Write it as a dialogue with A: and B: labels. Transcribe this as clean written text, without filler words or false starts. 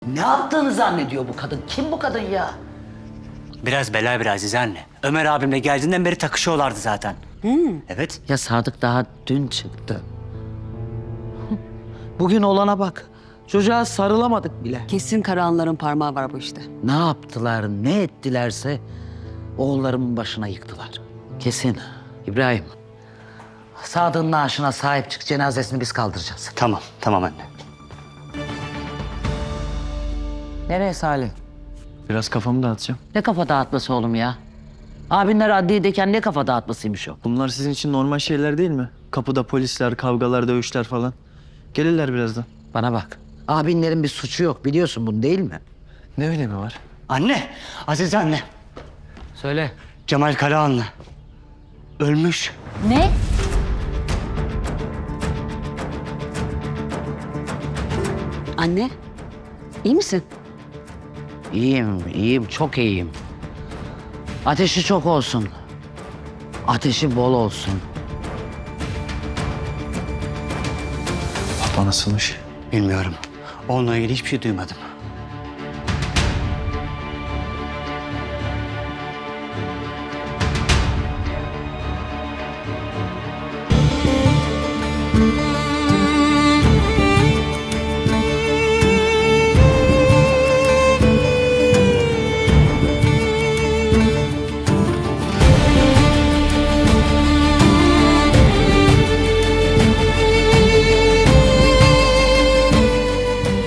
A: Ne yaptığını zannediyor bu kadın? Kim bu kadın ya?
B: Biraz bela bir Azize anne. Ömer abimle geldiğinden beri takışıyorlardı zaten. Evet.
A: Ya Sadık daha dün çıktı. Bugün olana bak. Çocuğa sarılamadık bile.
C: Kesin Karahanların parmağı var bu işte.
A: Ne yaptılar, ne ettilerse oğullarımın başına yıktılar. Kesin. İbrahim, Sadık'ın naaşına sahip çık, cenazesini biz kaldıracağız.
B: Tamam anne.
A: Nereye Salih?
D: Biraz kafamı dağıtacağım.
A: Ne kafa dağıtması oğlum ya? Abinler adliyedeyken ne kafa dağıtmasıymış o?
D: Bunlar sizin için normal şeyler değil mi? Kapıda polisler, kavgalar, dövüşler falan. Gelirler birazdan.
A: Bana bak, abinlerin bir suçu yok biliyorsun bunu değil mi?
D: Ne önemi var?
B: Anne, Azize anne.
A: Söyle.
B: Cemal Karahanlı. Ölmüş.
C: Ne? Anne, iyi misin?
A: İyiyim, çok iyiyim. Ateşi çok olsun. Ateşi bol olsun.
D: Baba nasılmış?
B: Bilmiyorum. Onunla ilgili hiçbir şey duymadım.